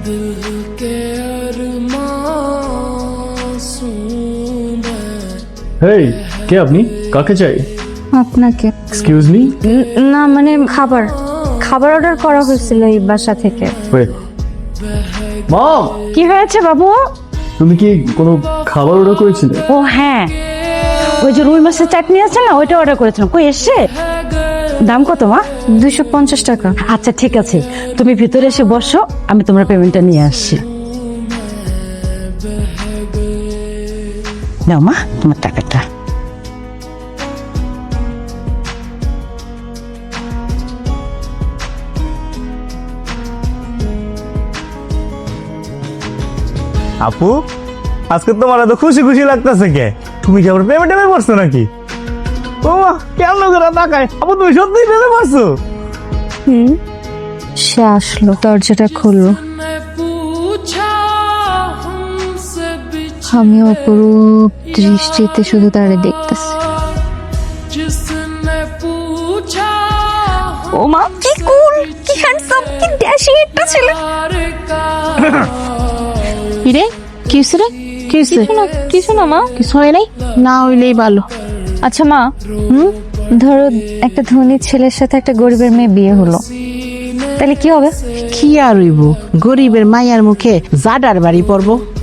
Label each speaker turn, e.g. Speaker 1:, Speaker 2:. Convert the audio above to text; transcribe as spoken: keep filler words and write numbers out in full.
Speaker 1: হেই, কে আপনি? কাকে চাই?
Speaker 2: আপনাকে।
Speaker 1: Excuse me?
Speaker 2: না মানে খাবার খাবার অর্ডার করা হয়েছিল এই বাসা থেকে।
Speaker 1: ওয়েট। মম,
Speaker 2: কি হয়েছে বাবু?
Speaker 1: তুমি কি কোনো খাবার অর্ডার করেছিলে?
Speaker 2: ও হ্যাঁ, ওই যে রুই মাছের চাটনি আছে না, ওইটা অর্ডার করেছিলাম। কই এসছে? দাম কত মা? দুইশো পঞ্চাশ টাকা। আচ্ছা ঠিক আছে, তুমি ভিতরে এসে বসো, আমি তোমার পেমেন্টটা নিয়ে আসছি। নাও মা তোমার টাকাটা।
Speaker 3: আপু, আজকে তোমার এত খুশি খুশি লাগতেছে কে? তুমি কি আবার প্রেমে টেমে পড়ছো নাকি? ও মা, কেমন করে তাকায়? আপু তুমি সত্যি প্রেমে পড়ছো?
Speaker 2: হুম, সে আসলো, দরজাটা খুললো। আমি অপরূপ দৃষ্টিতে শুধু তারে দেখতেছি। ও মা, কি কুল, কি হ্যান্ডসাম, কি ড্যাশিং একটা ছেলে।
Speaker 4: কিরে কি হইছে রে?
Speaker 2: কি হইছে?
Speaker 4: কিছু না কিছু না মা, কিছু হয় নাই।
Speaker 2: না হইলেই ভালো।
Speaker 4: আচ্ছা মা,
Speaker 2: হুম, ধরো একটা ধনী ছেলের সাথে একটা গরিবের মেয়ে বিয়ে হলো, তাহলে কি হবে?
Speaker 5: কি আর হইব, গরিবের মাইয়ার মুখে জাডার বাড়ি পড়বো।